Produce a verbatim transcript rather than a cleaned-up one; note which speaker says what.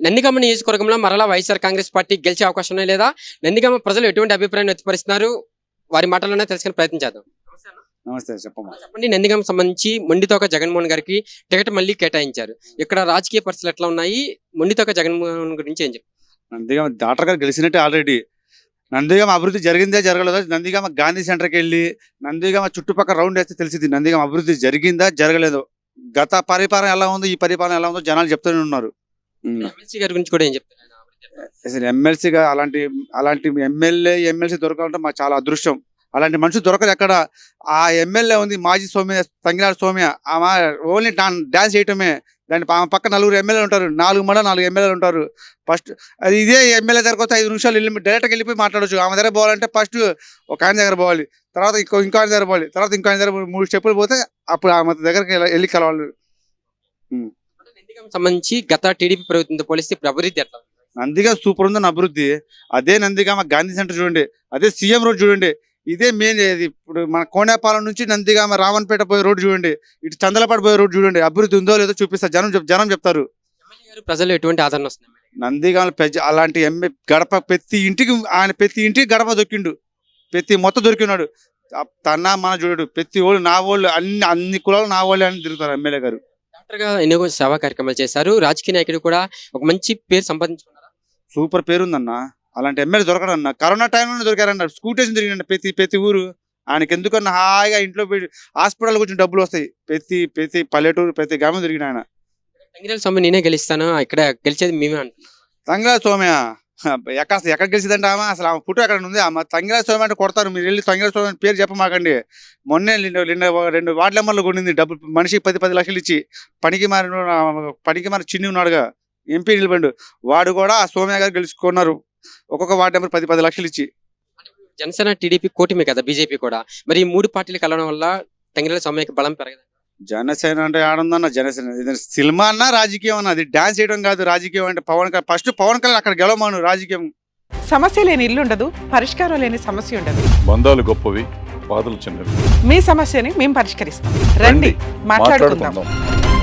Speaker 1: నందిగామ నియోజకవర్గంలో మరలా వైఎస్ఆర్ కాంగ్రెస్ పార్టీ గెలిచే అవకాశం ఉన్నాయి లేదా? నందిగామ ప్రజలు ఎటువంటి అభిప్రాయం వ్యక్తపరుస్తున్నారు? వారి మాటల్లోనే తెలుసుకునే ప్రయత్నం చేద్దాం.
Speaker 2: నమస్తే, చెప్పమ్మా.
Speaker 1: చెప్పండి, నందిగామ సంబంధించి మొండితోక జగన్మోహన్ గారికి టికెట్ మళ్ళీ కేటాయించారు. ఇక్కడ రాజకీయ పరిస్థితులు ఎట్లా ఉన్నాయి? మొండితోక జగన్మోహన్ గురించి ఏం చెప్తారు?
Speaker 2: నందిగామ డాక్టర్ గారు గెలిచినట్టే ఆల్రెడీ. నందిగామ అభివృద్ధి జరిగిందే జరగలేదా? నందిగామ గాంధీ సెంటర్కి వెళ్ళి నందిగామ చుట్టుపక్కల రౌండ్ వేస్తే తెలిసింది నందిగామ అభివృద్ధి జరిగిందా జరగలేదో. గత పరిపాలన ఎలా ఉందో, ఈ పరిపాలన ఎలా ఉందో జనాలు చెప్తూనే ఉన్నారు.
Speaker 1: ఎమ్మెల్సీ గారి గురించి కూడా ఏం చెప్తారు?
Speaker 2: అసలు ఎమ్మెల్సీగా అలాంటి అలాంటి ఎమ్మెల్యే ఎమ్మెల్సీ దొరకాలంటే మాకు చాలా అదృష్టం. అలాంటి మనుషులు దొరకదు ఎక్కడ. ఆ ఎమ్మెల్యే ఉంది మాజీ సౌమ్య, తంగిరాడు సౌమ్య. ఆమె ఓన్లీ డాన్స్ చేయటమే. దాని ఆమె పక్క నలుగురు ఎమ్మెల్యేలు ఉంటారు, నాలుగు మండల నాలుగు ఎమ్మెల్యేలు ఉంటారు. ఫస్ట్ అది ఇదే ఎమ్మెల్యే దగ్గరకు వస్తే ఐదు నిమిషాలు వెళ్ళి డైరెక్ట్గా వెళ్ళిపోయి మాట్లాడవచ్చు. ఆమె దగ్గర పోవాలంటే ఫస్ట్ ఒక ఆయన దగ్గర పోవాలి, తర్వాత ఇంకో ఇంకో ఆయన దగ్గర పోవాలి, తర్వాత ఇంకో ఆయన దగ్గర మూడు స్టెప్పులు పోతే అప్పుడు ఆమె దగ్గరికి వెళ్ళి కలవాలి.
Speaker 1: సంబంధించి గత టీడీపీ ప్రభుత్వంతో పోలిస్తే ఇప్పుడు అభివృద్ధి ఎట్లా?
Speaker 2: నందిగామ సూపర్ ఉందని అభివృద్ధి. అదే నందిగామ గాంధీ సెంటర్ చూడండి, అదే సీఎం రోడ్ చూడండి, ఇదే మెయిన్. ఇప్పుడు మన కోనేపాలెం నుంచి నందిగామ రావణపేట పోయే రోడ్డు చూడండి, ఇటు చందలపాటు పోయే రోడ్డు చూడండి. అభివృద్ధి ఉందో లేదో చూపిస్తారు, జనం జనం చెప్తారు.
Speaker 1: ప్రజలు ఎటువంటి ఆదరణ వస్తుంది?
Speaker 2: నందిగామ పెద్ద అలాంటి ఎమ్మె గడప ప్రతి ఇంటికి ఆయన ప్రతి ఇంటికి గడప దొరికిండు, ప్రతి మొత్తం దొరికినాడు. తన మన చూడు, ప్రతి వాళ్ళు నా వాళ్ళు, అన్ని అన్ని కులాలు నా వాళ్ళు అని తిరుగుతారు ఎమ్మెల్యే గారు.
Speaker 1: డాక్టర్ గా ఎన్నో సేవా కార్యక్రమాలు చేశారు. రాజకీయ నాయకుడు కూడా ఒక మంచి పేరు సంపాదించుకున్నారు.
Speaker 2: సూపర్ పేరు ఉందన్న. అలాంటి ఎమ్మెల్యే దొరకడన్న. కరోనా టైంలోనే దొరికారన్న. స్కూటేషన్ తిరిగిన ప్రతి ప్రతి ఊరు. ఆయనకి ఎందుకన్నా హాయిగా ఇంట్లో పోయి హాస్పిటల్ కొంచెం డబ్బులు వస్తాయి. ప్రతి ప్రతి పల్లెటూరు ప్రతి గ్రామం తిరిగిన ఆయన.
Speaker 1: తంగిరాల స్వామి నేనే గెలుస్తాను, ఇక్కడ గెలిచేది మేమే అంటున్నాం.
Speaker 2: తంగిరాల స్వామి ఎక్కడ ఎక్కడ గెలిచిందంటే ఆమె అసలు ఆమె ఫోటో ఎక్కడ ఉంది? ఆమె తంగిరాల స్వామి అంటే కొడతారు. మీరు వెళ్ళి తంగిరాల స్వామి పేరు చెప్పమాకండి. మొన్నే రెండు వార్డు నెంబర్లు కొనింది డబ్బులు, మనిషికి పది పది లక్షలు ఇచ్చి. పనికి మారిన పనికి మారి చిన్ని ఉన్నాడుగా, ఎంపీ నిలబడి, వాడు కూడా ఆ సోమ్య గారు గెలుచుకున్నారు. ఒక్కొక్క వార్డు నెంబర్ పది పది లక్షలు ఇచ్చి.
Speaker 1: జనసేన టీడీపీ కూటమి కదా, బీజేపీ కూడా. మరి ఈ మూడు పార్టీలు కలవడం వల్ల తంగిరాల స్వామికి బలం పెరగదు.
Speaker 2: జనసేన అంటే ఆడుందన్న. జనసేన సినిమా అన్నా రాజకీయం అన్న. అది డాన్స్ చేయడం కాదు రాజకీయం అంటే. పవన్ కళ్యాణ్ ఫస్ట్ పవన్ కళ్యాణ్ అక్కడ గెలవమాను. రాజకీయం
Speaker 3: సమస్య లేని ఇల్లు ఉండదు, పరిష్కారం లేని సమస్య ఉండదు.
Speaker 4: బంధాలు గొప్పవి, బాధలు చిన్నవి.
Speaker 3: మీ సమస్యని మేము పరిష్కరిస్తాం. రండి, మాట్లాడుకుందాం.